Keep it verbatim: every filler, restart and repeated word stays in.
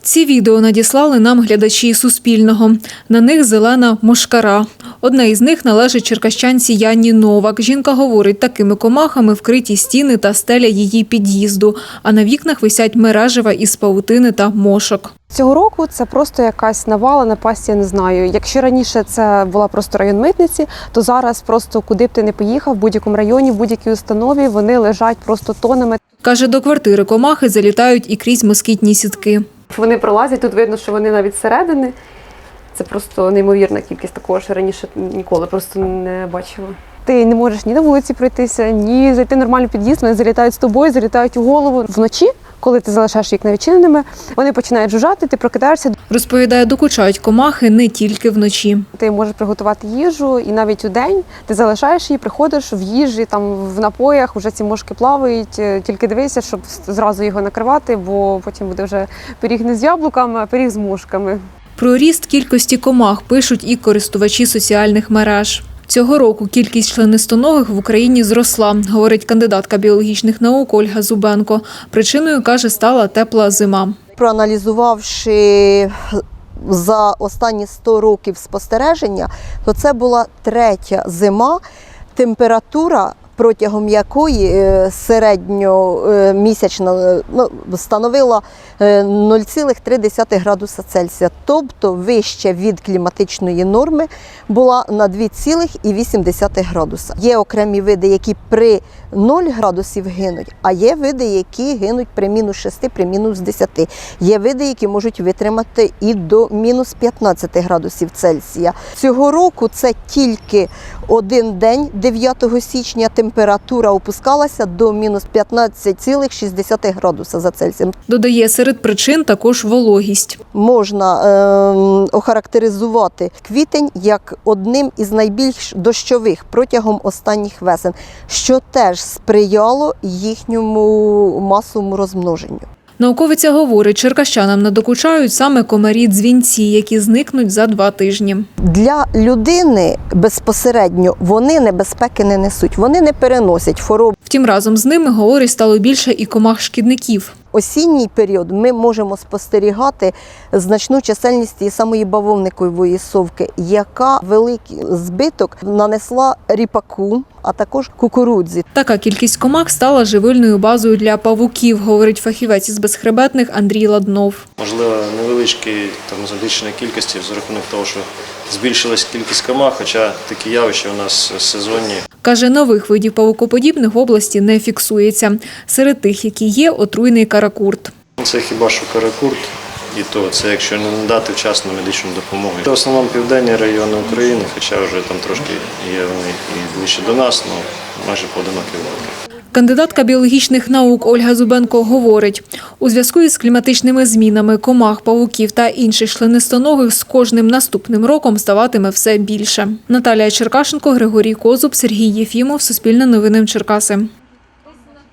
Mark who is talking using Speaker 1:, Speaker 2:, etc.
Speaker 1: Ці відео надіслали нам глядачі Суспільного. На них зелена мошкара. Одна із них належить черкащанці Яні Новак. Жінка говорить, такими комахами вкриті стіни та стеля її під'їзду, а на вікнах висять мережева із павутини та мошок.
Speaker 2: Цього року це просто якась навала, напасть, я не знаю. Якщо раніше це була просто район митниці, то зараз просто куди б ти не поїхав, в будь-якому районі, в будь-якій установі, вони лежать просто тонами.
Speaker 1: Каже, до квартири комахи залітають і крізь москітні сітки.
Speaker 2: Вони пролазять, тут видно, що вони навіть зсередини. Це просто неймовірна кількість, такого що раніше ніколи просто не бачила. Ти не можеш ні на вулиці пройтися, ні зайти в нормальний під'їзд, вони залітають з тобою, залітають у голову. Вночі, коли ти залишаєш вікна відчиненими, вони починають жужжати, ти прокидаєшся.
Speaker 1: Розповідає, докучають комахи не тільки вночі.
Speaker 2: Ти можеш приготувати їжу і навіть у день ти залишаєш її, приходиш в їжі, там в напоях, вже ці мошки плавають, тільки дивися, щоб зразу його накривати, бо потім буде вже пиріг не з яблуками, а пиріг з мошками.
Speaker 1: Про ріст кількості комах пишуть і користувачі соціальних мереж. Цього року кількість членистоногих в Україні зросла, говорить кандидатка біологічних наук Ольга Зубенко. Причиною, каже, стала тепла зима.
Speaker 3: Проаналізувавши за останні сто років спостереження, то це була третя зима, температура, протягом якої середньомісячна ну, становила нуль цілих три десятих градуса Цельсія, тобто вище від кліматичної норми була на два цілих вісім десятих градуса. Є окремі види, які при нуль градусів гинуть, а є види, які гинуть при мінус шести, при мінус десяти. Є види, які можуть витримати і до мінус п'ятнадцяти градусів Цельсія. Цього року це тільки один день, дев'ятого січня, температура опускалася до мінус п'ятнадцять цілих шість десятих градуса за Цельсієм.
Speaker 1: Додає, серед причин також вологість.
Speaker 3: Можна е, охарактеризувати квітень як одним із найбільш дощових протягом останніх весен, що теж сприяло їхньому масовому розмноженню.
Speaker 1: Науковиця говорить, черкащанам надокучають саме комарі-дзвінці, які зникнуть за два тижні.
Speaker 3: Для людини безпосередньо вони небезпеки не несуть, вони не переносять хвороб.
Speaker 1: Втім, разом з ними, говорить, стало більше і комах-шкідників.
Speaker 3: Осінній період ми можемо спостерігати значну чисельність тієї самої бавовникової совки, яка великий збиток нанесла ріпаку, а також кукурудзі.
Speaker 1: Така кількість комах стала живильною базою для павуків, говорить фахівець із безхребетних Андрій Ладнов.
Speaker 4: Можливо, невеличкі там збільшення кількості за рахунок того, що збільшилась кількість комах, хоча такі явища у нас сезонні.
Speaker 1: Каже, нових видів павукоподібних в області не фіксується. Серед тих, які є, отруйний каракурт.
Speaker 4: Це хіба що каракурт, і то це якщо не надати вчасно медичну допомогу. Це в основному південні райони України, хоча вже там трошки є вони і ближче до нас, але майже поодинокі випадки.
Speaker 1: Кандидатка біологічних наук Ольга Зубенко говорить, у зв'язку із кліматичними змінами комах, павуків та інших членистоногих з кожним наступним роком ставатиме все більше. Наталія Черкашенко, Григорій Козуб, Сергій Єфімов, Суспільне новини Черкаси.